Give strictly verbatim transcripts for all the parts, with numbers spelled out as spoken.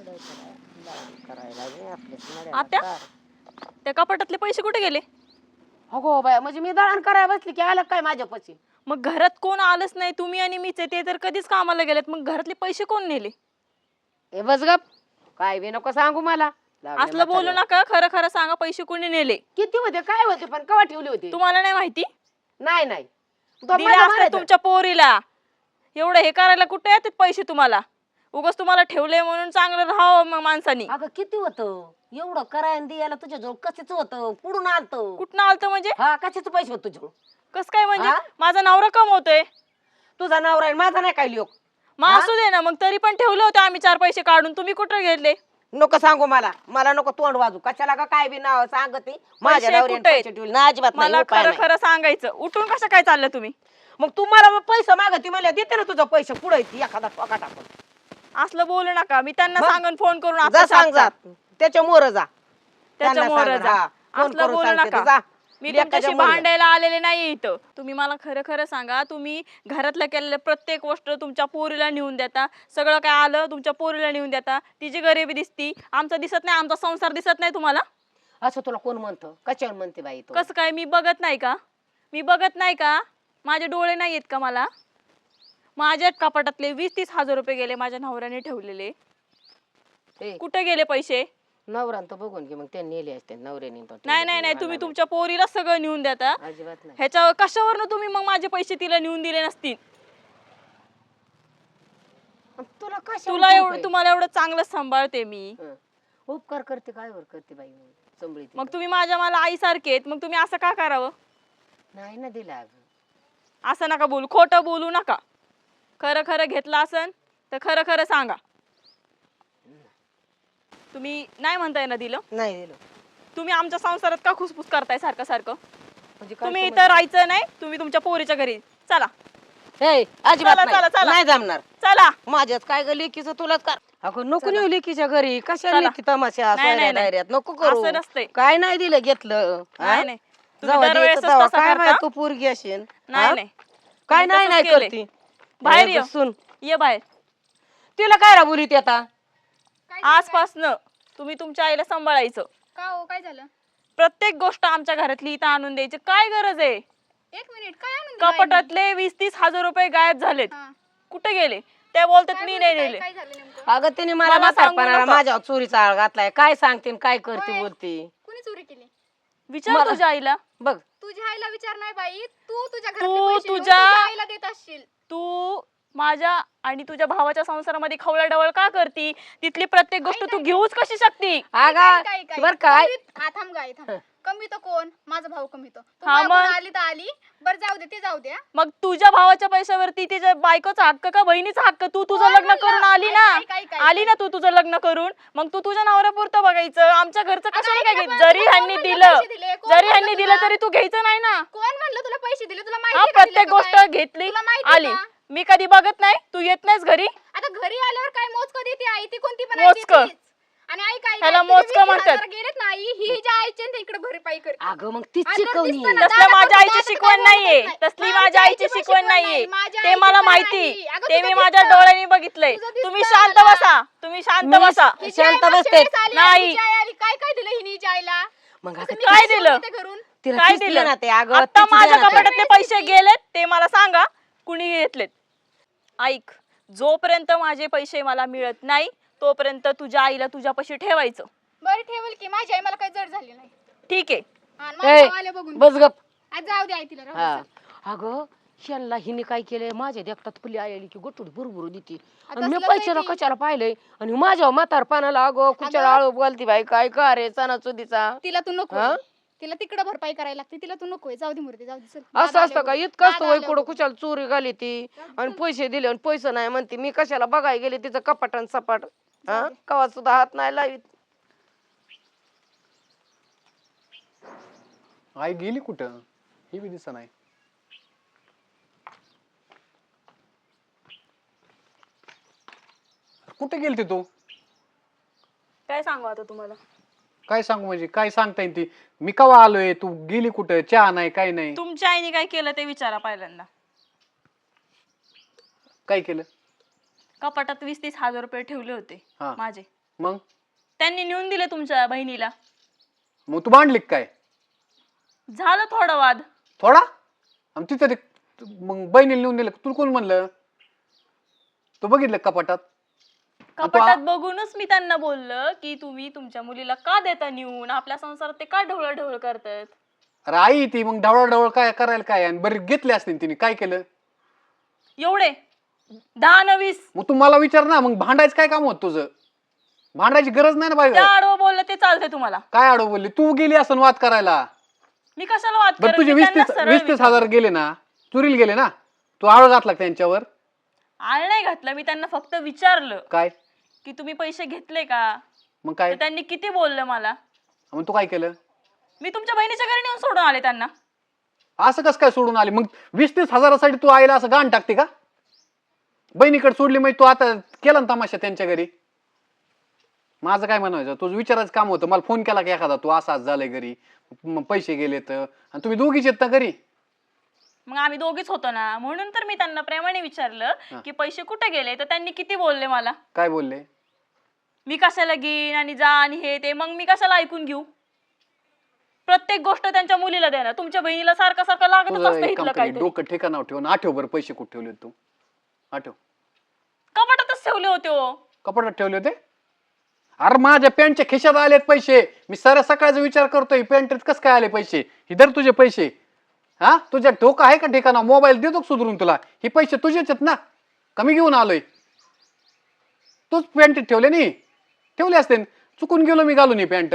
आत्या त्या कपाटातले पैसे कुठे गेले? अगो बाय म्हणजे मी दळण करायला बसली की आलं काय माझ्यापाशी? मग घरात कोण आलंच नाही, तुम्ही आणि मीच आहे, ते तर कधीच कामाला गेलेत, मग घरातले पैसे कोण नेले? ए बस गप, काय बी नको सांगू मला. लागले असलं बोलू म्हाताऱ्यावर. नका, खरं खरं सांगा पैसे कोणी नेले? किती होते काय होते पण कवा ठेवले होते? तुम्हाला नाही माहिती? नाही नाही तो दिले माझा असते मारायचा. तुमच्या पोरीला. एवढं हे करायला कुठे येतात पैसे तुम्हाला? उगाच तुम्हाला ठेवले म्हणून चांगलं राहावं मग माणसानी. अगं किती होतं एवढं करायला द्यायला तुझ्याजवळ कशाच होतं? पुढून आलतं. कुठनं आलतं म्हणजे? हा कशाचे पैसे होते तुझ्याजवळ? कस काय म्हणजे? हा? माझा नवरा कमवतोय. तुझा नवरा आहे माझा नाही काय लोक. मग असू दे ना, मग तरी पण ठेवले होते आम्ही चार पैसे काढून, तुम्ही कुठे घेतले? नको सांगू मला, मला नको तोंड वाजू. कशाला का काय बी नाव सांगते माझ्या नवऱ्याने कुठे आहेत? पैसे ठेवले ना अजिबात नाही, मला उपाय खरं नाही. खरं सांगायचं. उठून कसं काय चाललं तुम्ही? मग तू मला पैसे मागती मला देते ना तुझं पैसे पुढे एखादा टोका टाकून. असलं बोलू नका. मी त्यांना मग? सांगून फोन करून जा आता सांग जा सांगता. त्याच्या मोर जा त्याच्या त्यांना मोर सांग, जा. हा. फोन असलं करून बोलू सांगते नका. ते, जा. मी लेकाच्या तुमच्याशी मोर जा. भांडायला आलेले नाही इथं. तुम्ही मला खरं खरं सांगा, तुम्ही घरातलं केलेलं प्रत्येक गोष्ट तुमच्या पोरीला नेऊन देता. सगळं काय आलं तुमच्या पोरीला नेऊन देता. तिची गरिबी दिसती, आमचं दिसत नाही, आमचा संसार दिसत नाही तुम्हाला? असं तुला कोण म्हणतं? कशावर म्हणते बाई तू? कसं काय? मी बघत नाही का? मी बघत नाही का? माझे डोळे नाही आहेत का मला? माझ्या कपाटातले वीस तीस हजार रुपये गेले माझ्या नवऱ्याने ठेवलेले. ए, कुठे गेले पैसे? नवरान तर बघून घे मग त्यांनी नेले असते नवऱ्याने तो नाही नाही नाही, तुम्ही तुमच्या पोरीला सगळं नेऊन देता. अजिबात नाही. ह्याच्यावर कशावरनं तुम्ही मग माझे पैसे तिला नेऊन दिले नसतील? तुला कशा तुला एवढं, तुम्हाला एवढं चांगलं सांभाळते मी. उपकार करते काय वर करते बाई संभळी मग तुम्ही माझ्या मला आईसारखे आहेत, मग तुम्ही असं का करावं? नाही ना दिला अगं. असं नका बोलू, खोटं बोलू नका. खरं खरं घेतलं असन तर खरं खरं सांगा. तुम्ही नाही म्हणताय ना दिलं? नाही दिलं. तुम्ही आमच्या संसारात का खुसफुस करताय सारखं सारखं? म्हणजे काय तुम्ही समजलं? इथं राहायचं नाही, तुम्ही तुमच्या पोरीच्या घरी चला. ए, अजिबात चला, नाही. चला, चला. नाही जमणार. चला. माझ्याच काय ग लेकीचं तुलाच कर. अगं नको नेऊ लेकीच्या घरी. कशा चला. लेकी तमाशा नाही, नाही, नाही. डायऱ्यात नको करू. असं नसतंय. काय नाही दिलं घेतलं. हा? नाही नाही, तुम्ही जाऊ दे, दरवेळेसच जाऊ. तसं काय करता. माहित तू पोरगी असेल. नाही हा? नाही, काय तुम्ही नाही तसंच नाही केलंय. करती. बाहेर ए, ये. बसून. ये बाहेर. तिला काय रा बोलीत आता? आजपासनं तुम्ही तुमच्या आईला सांभाळायचं. का हो काय झालं? प्रत्येक गोष्ट आमच्या घरातली इथं आणून द्यायची. काय गरज आहे? एक मिनिट काय आणून दिलं आईने? कपाटातले वीस तीस हजार रुपये गायब झालेत. हा. कुठे गेले? त्या बोलतात काय मी बोलते, नाही काय- नेले. काय झालं नेमकं? अगं तिने मला मला सांगू म्हातारपणाला नका. माझ्या चोरीचा आळ घातलाय. काय सांगते न काय करते होय. बोलते. कुणी चोरी केली? विचार मला- तुझ्या आईला. बघ तुझ्या आईला विचार नाही बाई, तू तुझ्या तू घरातले पैसे घेऊन तुझ्या- तुझ्या आईला देत असशील. तू माझ्या आणि तुझ्या भावाच्या संसारामध्ये खवळाडवळ का करती? तिथली प्रत्येक गोष्ट तू घेऊच कशी शकती? काय- अगं काय- काय- बर काय कमीत- हा थांब गाय थांब. कमी तो कोण? माझा भाऊ कमी तो. तू हा, मागून मग? आली तर आली. बरं जाऊ दे, ते जाऊ दे. हा. मग तुझ्या भावाच्या पैशावरती तिच्या बायकोचा हक्क का बहिणीचा हक्क? तू तुझं कोण लग्न म्हणलं? करून आली ना, ऐक- ऐक- ऐक- आली ना तू तुझं लग्न करून, मग तू तुझ्या नवऱ्यापुरतं बघायचं. आमच्या घरचं अगं, कशाला ऐक काय ना, घ्यायचं? पण जरी कोण ह्यांनी म्हणलं दिलं, पैसे दिले? कोण जरी म्हणलं ह्यांनी दिलं तुला? तरी तू घ्यायचं नाही ना. कोण म्हणलं तुला पैसे दिले? तुला हा, माहिती आहे का प्रत्येक दिले का गोष्ट काय? घेतली, तुला माहिती आली. का? मी कधी बघत नाही, तू येत नाहीस घरी. आता घरी आल्यावर काय मोजकं देते आई? ती कोणती पण मोजकं. आई देतेच. आणि आई काय ह्याला काय, तुझे मोजकं वीस म्हणतात. हजार गेलेत ना आई, ही हिच्या आईची आणि ते इकडे भरपाई करते. अगं मग ती आता शिकवणी दिसतं ना, तसलं दादा माझ्या पण आईची दादा शिकवण काय नाहीये. बोलत तसली नाही. माझ्या आईची पण शिकवण नाहीये. नाही. माझ्या ते आईची मला पण माहिती. नाही. अगं, ते तुझं मी माझ्या दिसतं. डोळ्यांनी बघितलंय. तुझं दिसतं तुम्ही शांत मला. बसा, तुम्ही शांत मी- बसा. हिची आई शांत मागच्या बसते. वेळेस आली, नाही. हिची आई आली. काय काय दिलं हिने हिच्या आईला? मग असं आता मी काय कशी दिलं? बोलते घरून? तिला काय तीच दिलं? दिलं ना ते. अगं आता तीच माझ्या दिलं ना ते. कपाटातले पैसे गेलेत ते मला सांगा, कुणी घेतलेत? ऐक, जोपर्यंत माझे पैसे मला मिळत नाही तोपर्यंत तुझ्या आईला तुझ्यापाशी ठेवायचं. बरं ठेवल की, माझी आई मला काही जड झाली नाही. ठीक आहे. हा, आणि ए, माझ्या भावाला बघून बस गप. आज जाऊ दे आई तिला राहू हा दे. अगं ह्यांना हिने काय केलंय माझ्या देखतात फुली आली की गोटूड बुरबुरू देते आता आणि मी असलंच आहे पैशाला ती. कशाला पाहिलंय आणि माझ्या म्हातार पानाला अगं कुचाला आळू बोलती बाई काय का रे सणासुदीचा. तिला तू नको हा? तिला तिकडे भरपाई करायला लागते, तिला तू नको जाऊ दे मूर्ती, जाऊ दे चल. असं दादा असतं का? आले इतकं असतं दादा वय आले कुठं बघ. कुशाला चोरी घाली ती आणि पैसे दिले आणि पैसे नाही म्हणते. मी कशाला बघायला गेले तिचं कपाट आणि सपाट. हा कवा सुद्धा हात नाही लावित. आई गेली कुठं? ही बी दिसत नाही. कुठे गेलती तू? काय सांगू आता तुम्हाला? काय सांगू म्हणजे काय सांगता येईल ती? मी कवा आलोय, तू गेली कुठं? चहा नाही काय नाही. तुमच्या आईने काय केलं ते विचारा पहिल्यांदा. काय केलं? कपाटात वीस तीस हजार रुपये ठेवले होते हा. माझे. मग त्यांनी नेऊन दिले तुमच्या बहिणीला. मग तू मांडली का काय झालं थोडा वाद. थोडा? आणि तिथं ते मग बहिणीला नेऊन दिलं तुला कोण म्हणलं? तू बघितलं का कपाटात? कपाटात बघूनच मी त्यांना बोललं की तुम्ही तुमच्या मुलीला का देता नेऊन, आपल्या संसारात ते का ढवळ ढवळ करतायत. अरे आई ती मग ढवळ ढवळ काय करायला काय आणि बरे घेतले असते तिने काय केलं? एवढे दहा न वीस. मग तू मला विचार ना, मग भांडायचं काय काम होत तुझं? भांडायची गरज नाही ना त्या पाहिजे. आडवं बोललं ते चालतंय तुम्हाला. काय आडव बोलली? तू गेली असं वाद करायला. मी कशाला वाद बरं करेन? तुझे मी वीस त्यांना तीस सरळ वीस तीस विचारलं. हजार गेले ना, चुरीला गेले ना, तू आळ घातला का त्यांच्यावर? आळ नाही घातलं, मी त्यांना फक्त विचारलं काय की तुम्ही पैसे घेतले का. मग काय तर त्यांनी किती बोललं मला. मग तू काय केलं? मी तुमच्या बहिणीच्या घरी नेऊन सोडून आले त्यांना. असं कसं काय सोडून आली? मग वीस तीस हजारासाठी तू आईला असं गाण टाकते का? बहिणीकडे सोडली मग तू आता केला ना तमाशा त्यांच्या घरी. माझं काय म्हणायचं, तुझं विचारायचं काम होतं. मला फोन केला की एखादा तू असा झालंय घरी, मग पैसे गेलेत आणि तुम्ही दोघीच येत ना घरी. मग आम्ही दोघीच होतो ना, म्हणून तर मी त्यांना प्रेमाने विचारलं हा. की पैसे कुठे गेले. तर त्यांनी किती बोलले मला. काय बोलले? मी कशाला घेईन आणि जा आणि हे ते. मग मी कशाला ऐकून घेऊ. प्रत्येक गोष्ट त्यांच्या मुलीला देणार. तुमच्या बहिणीला सारखं सारखं लागतच तुझं असतं एक इथलं काम कर, काहीतरी. डोकं ठिकाणावर ठेवून आठव बरं पैसे कुठे ठेवले तू? आठव. कपाटातच ठेवले होते हो. कपाटात ठेवले होते? अरे माझ्या पॅन्टच्या खिशात आलेत पैसे. मी साऱ्या सकाळचा विचार करतोय पॅन्टीत कसं काय आले पैसे. इधर तुझे पैसे. हा तुझ्या डोकं आहे का ठिकाणा? मोबाईल देतो सुधरून तुला. हे पैसे तुझेच आहेत ना, कमी घेऊन आलोय. तूच पॅन्टीत ठेवले नाही? ठेवले असते. चुकून गेलो मी घालून ही पॅन्ट.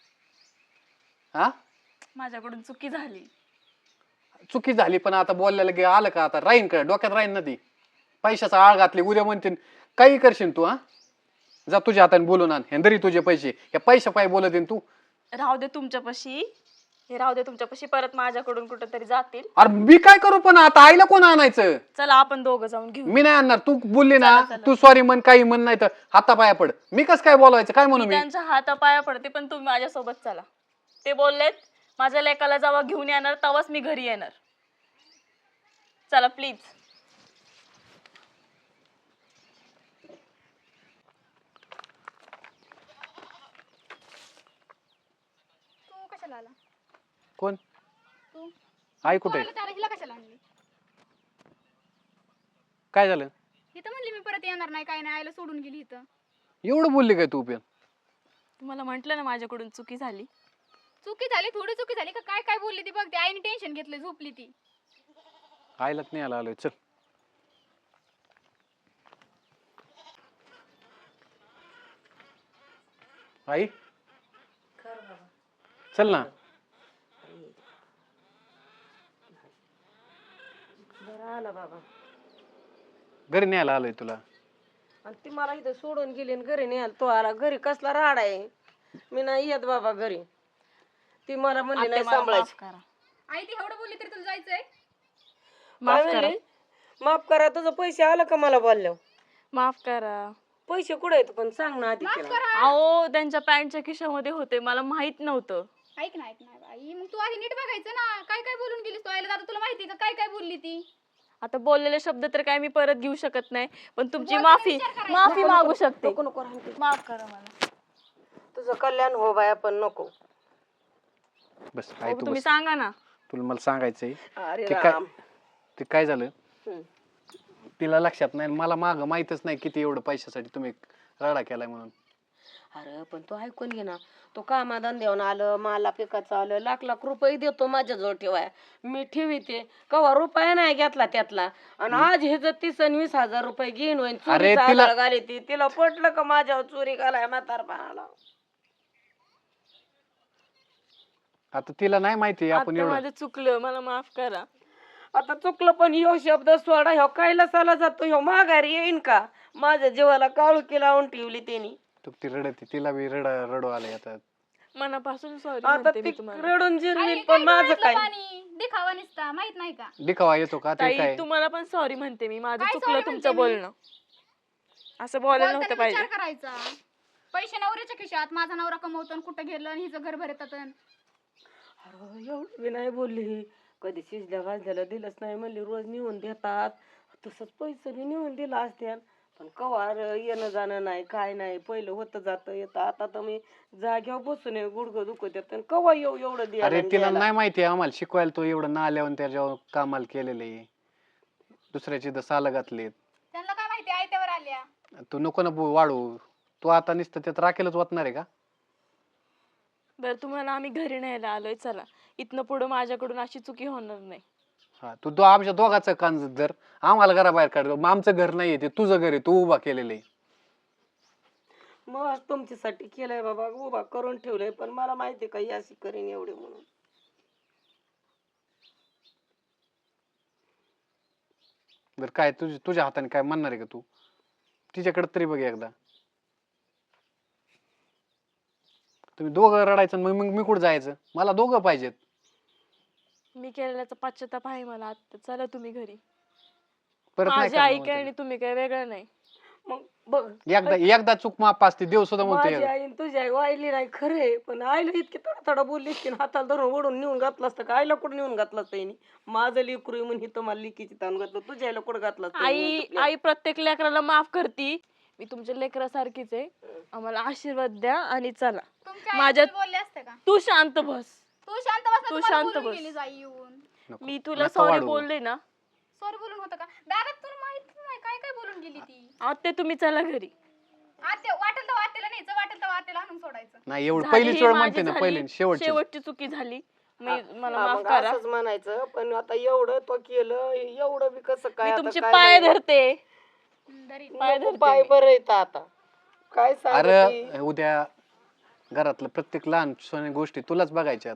हा माझ्याकडून चुकी झाली. चुकी झाली पण आता बोललेलं गे आलं का? आता राहीन का डोक्यात? राहीन ना ती. पैशाचा आळ घातली उद्या म्हणतील काही करशील तू. हा जा तुझ्या हाताने बोलून आण. हेंदरी तुझे पैसे. या पैशा पाय बोलत तू. राहू दे तुमच्यापाशी. हे राहू दे तुमच्यापाशी. परत माझ्याकडून कुठेतरी जातील. अरे मी काय करू पण आता? आईला कोण आणायचं? चला आपण दोघं जाऊन घेऊ. मी नाही आणणार. तू बोलली ना, चला, चला. तू सॉरी म्हण काही म्हण, नाही तर हातापाया पड. मी कस काय बोलायचं? काय म्हणू मी मी? त्यांच्या हातापाया पडते, पण तुम्ही माझ्यासोबत चला. ते बोललेत माझ्या लेकाला जेव्हा घेऊन येणार तेव्हाच मी घरी येणार. चला प्लीज. तू कशाला आला? कोण? तू आई कुठे? तू आला हिला कशाला आणली? काय झालं? इथं म्हणली मी परत येणार नाही, काय नाही, आईला सोडून गेली इथं. एवढं बोलली काय तू पण? तुम्हाला म्हंटल ना माझ्याकडून चुकी झाली. चुकी झाली, थोडी चुकी झाली का? काय काय बोलली ती बघ. ती आईने टेन्शन घेतलं, झोपली ती. आईलाच नाही आला आलोय. चल आई चल ना. बरं आला बाबा. घरी न्यायला आलोय तुला. आणि ती मला इथं सोडून गेली आणि घरी नाही आला. तो आला घरी. कसला राड आहे. मी नाही येत बाबा घरी. ती मला म्हणली आत्या, नाही मला सांभाळायची. माफ करा. आई ती एवढं बोलली तरी तुला जायचंय? माफ काय करा. म्हणली? माफ करा. तुझं पैसे आलं का मला बोलल्यावर? माफ करा. पैसे कुठे आहेत पण सांग ना आधी माफ तिला. करा. अहो त्यांच्या पॅन्टच्या खिशामध्ये होते, मला माहित नव्हतं. ऐक ना, ऐक ना आई, मग तू आधी नीट बघायचं ना. काय काय बोलून गेलीस तू आईला? दादा तुला माहिती का काय काय बोलली ती? आता बोललेले शब्द तर काय मी परत घेऊ शकत नाही, पण तुमची बोलताना माफी विचार करायचा. माफी मागू शकते. नको नको राहून दे. माफ करा मला. तुझं कल्याण हो बाया पण नको. बस आई बघू, तू तुम्ही बस. सांगा ना. तुला मला सांगायचंय अरे ते काय राम. ते काय झालं. हम्म. तिला लक्षात नाही, मला माग माहितच नाही किती एवढं पैशासाठी तुम्ही राडा केलाय म्हणून. अरे पण तो ऐकून घे ना. तो कामाधंद्यावर आलं, मला पिकाचं आलं, लाख लाख रुपये देतो माझ्याजवळ ठेवाय. मी ठेवीते कवा रुपया नाही घेतला त्यातला. आणि आज हे जर तीस आणि वीस हजार रुपये घेऊन होईन अरे चोरीचा तिला- आधार घाली ती. तिला पटलं का माझ्यावर चोरी घालाय म्हातारपणाला? आता तिला नाही माहिती आपण आता एवढं. माझं चुकलं, मला माफ करा. आता चुकलं पण ह्यो शब्द सोडा. ह्यो कैलासाला जातो. ह्यो माघारी येईन का? माझ्या जीवाला काळुकी लावून ठेवली त्यांनी. तू ती रडते, तिला बी रड रडू आले आता. मनापासून सॉरी आता म्हणते ती मी तुम्हाला. रडून आई, जिरली काय पण माझं डोळ्यातलं काय? पाणी दिखावा निसता, माहित नाही का? दिखावा येतो का? ते ताई काय तुम्हाला पण सॉरी म्हणते मी. माझं काय चुकलं sorry तुमचं म्हणते मी? बोलणं. असं बोलायला बोलताना नव्हतं विचार पाहिजे. करायचा. पैसे नवऱ्याच्या खिशात, माझा नवरा कमवतो आणि कुठं गेलं आणि हिचं घर भरतात. अरे एवढं बी नाही बोलली. कधी शिजल्या भाजल्याला दिलंच नाही म्हणली. रोज नेऊन देतात. तसंच पैसे बी नेऊन दिला असत्या. पण कवा र येणं जाणं नाही काय नाही पहिलं होतं जातं येतं आता तर मी जाग्यावर बसून आहे, गुडघं दुखत येतं कवा येऊ एवढं द्यायला अरे आणि तिला द्यायला? नाही माहिती आम्हाला शिकवायला तो एवढं ना आल्यावर त्याच्यावर कामाला केलेलं आहे दुसऱ्याची तर सालं घातलीत. त्यांना काय माहिती आयत्यावर आल्या. तू नको ना बो- वाढू. तू आता नुसतं त्यात राखेलच वाटणार आहे का? बरं तुम्हाला आम्ही घरी न्यायला आलोय, चला इथनं पुढं माझ्याकडून अशी चुकी होणार नाही. हा तू दो आमच्या दोघाचं कान धर, आम्हाला घराबाहेर काढ. मग आमचं घर नाहीये ते तुझं घर आहे, तू उभा केलेलं आहे. मग आज तुमच्यासाठी केलंय बाबा उभा करून ठेवलंय पण मला माहिती का ही अशी करीन एवढे म्हणून. बरं काय तुझ तुझ्या हाताने काय म्हणणार आहे का तू? तिच्याकडे तरी बघ एकदा. तुम्ही दोघं रडायचं आणि मग मग मी कुठं जायचं? मला दोघं पाहिजेत. मी केलेल्याचा पश्चाताप आहे मला आता, चला तुम्ही घरी. परत नाही माझी करणार आई म्हणते काय आणि तुम्ही काय वेगळं नाही. मग बघ मी. एकदा एकदा चूक माफ असते, देव सुद्धा माझी म्हणतो आई आणि तुझी आई वाहिली नाही खरे पण आईला इतकी थोडा थोडा बोलली की हाताला धरून ओढून नेऊन घातलं असतं का आईला कुठं नेऊन घातलं असतं हिने? माझं लेकरू आहे म्हणून हिथं मला लिकीची ताण घातलं तुझ्या आईला कुठं घातलं असतं हिने आई तुपल्या? आई प्रत्येक लेकराला माफ करती. मी तुमच्या लेकरासारखीच आहे, आम्हाला आशीर्वाद द्या आणि चला. तुमच्या माझ्या- आई बोलले असते का? तू शांत बस. तू शांत बस ना, तू तुम्हाला शांत बोलून बस. गेलीस आई येऊन. नको. मी तुला नका सॉरी वाढवू. बोलले ना. सॉरी बोलून होतं का दादा? तुला माहित नाही काय काय बोलून गेली ती. आता तुम्ही चला घरी. आत्या वाटेल तर वाटेला न्यायचं, वाटेल तर वाटेला आणून सोडायचं. नाही एवढं झाली पहिलीच ही वेळ माझी म्हणते ना, झाली, पहिली शेवटची. शेवटची चुकी झाली. मी मला हा, माफ मग करा. असंच म्हणायचं पण आता एवढं तो केलं एवढं बी कसं काय मी आता तुमचे काय पाय नाही. धरते. हम्म, दरी. पाय नको, धरते पाय मी. बरं येतं आता काय सांगते अरे उद्या घरातलं प्रत्येक लहान सण गोष्टी तुलाच बघायच्यात.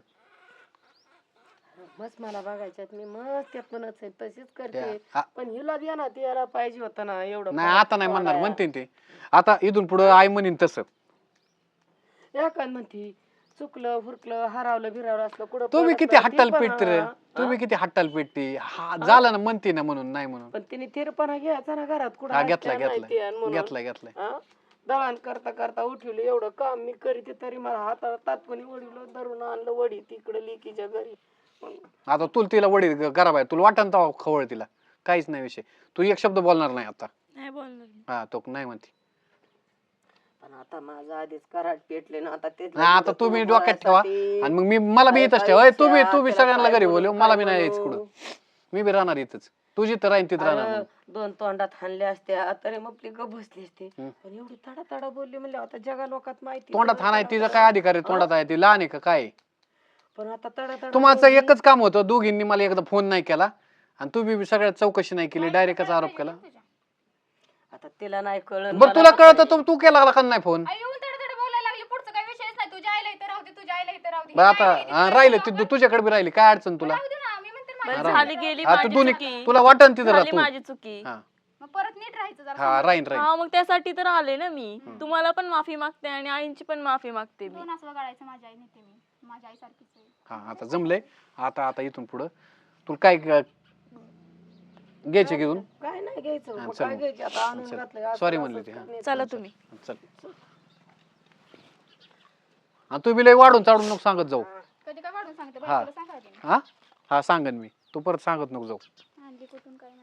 मस्त मला बघायच्यात मी मस्त त्यातूनच आहे तशीच करते त्या- आ- पण हिला द्या ना द्यायला पाहिजे होतं ना एवढं नाही फरक आता नाही म्हणणार, पडाया. म्हणते ते आता इथून पुढे आई म्हणीन तसं. या काय म्हणती चुकलं फुरकलं हरावलं भिरावलं असलं कुठं तुम्ही पडत किती नाही, हट्टाल ती पण पेटते रे, हा. तुम्ही किती हट्टाल पेटते. हा झालं ना म्हणते ना म्हणून नाही म्हणून. पण तिने थिरपणा घ्यायचा ना घरात कुठं हा असत्या घेतला नाही घेतला त्या म्हणून. घेतला घेतलाय. हा? दळण करता करता उठवलं एवढं काम मी करीते तरी मला हाताला तात्पुणी वडील धरून आणलं वडी तिकडे लिकीच्या घरी मग आता तुला तिला वडील करा बाय, तुला वाटण तर खवळ तिला काहीच नाही विषय. तू एक शब्द बोलणार नाही आता. नाही बोलणार मी. हा तो नाही म्हणते. पण आता माझं आधीच कराट पेटले ना आता ते नाही आता तुम्ही डोक्यात ठेवा आणि मग मी मला बी इथंच ठेवा. अय, तुम्ही तू बी सगळ्यांना घरी बोलव, मला बी नाही यायचं कुठं. मी बी राहणार इथंच, तुझी तर राहीन तिथं राहणार मग. दोन तोंडात हाणले असत्या तरी मग आपली गप बसली असते हम्म. पण एवढी तडा तडा बोलली म्हणजे आता जगा लोकात माहिती तोंडात सगळं हाणाय तडा तिचा तडा. काय अधिकार आहे? तोंडात आहे ती लहान आहे का काय? पण आता तडा तडा तुम्हाला बोलली. एकच काम होतं, दोघींनी मला एकदा फोन नाही केला आणि तू बी सगळ्यात चौकशी नाही केली, डायरेक्टच आरोप केला. आता तिला नाही कळलं बरं तुला कळतं तू तू केला का नाही फोन? आई येऊन तडा तडा बोलायला लागली, पुढचं काही विषयच नाही. तुझ्या आईला इथं राहू दे, तुझ्या आईला इथं राहू दे. बरं ही आता राहिली, ती हा, तुझ्या राहिलं इथं ती राहू तुझ्याकडे बी राहिली, काय अडचण दे. तुला? राहू दे ना, मी म्हणते बरं, माझी झाली गेली हा तू माझी दोन्ही चुकी. तुला वाटन तिथं झाली राहतो. माझी चुकी. हा मग परत नीट राहायचं जरा. हा राहीन राहीन. हा मग त्यासाठी तर आले ना मी. तुम्हाला पण माफी मागते आणि आईंची पण माफी मागते मी. दोन असं गाळायचं माझ्या आई नेते मी. माझ्या आई सारखीच आहे. हा आता जमलंय. आता आता इथून पुढं तुला काय ग- घ्यायचे घेऊन काय नाही घ्यायचं हा, मग चल काय मग. घ्यायचं आता आणून चल. घातलंय असं Sorry असं म्हणली ती, हा. करण्याचं. चला तुम्ही. चल. आणि तू बी लय वाढून चाडून नको सांगत जाऊ. कधी काय वाढून सांगते हा. बायकोला सांगायचं. हा हा सांगन मी, तू परत सांगत नको जाऊ. आणली कुठून काय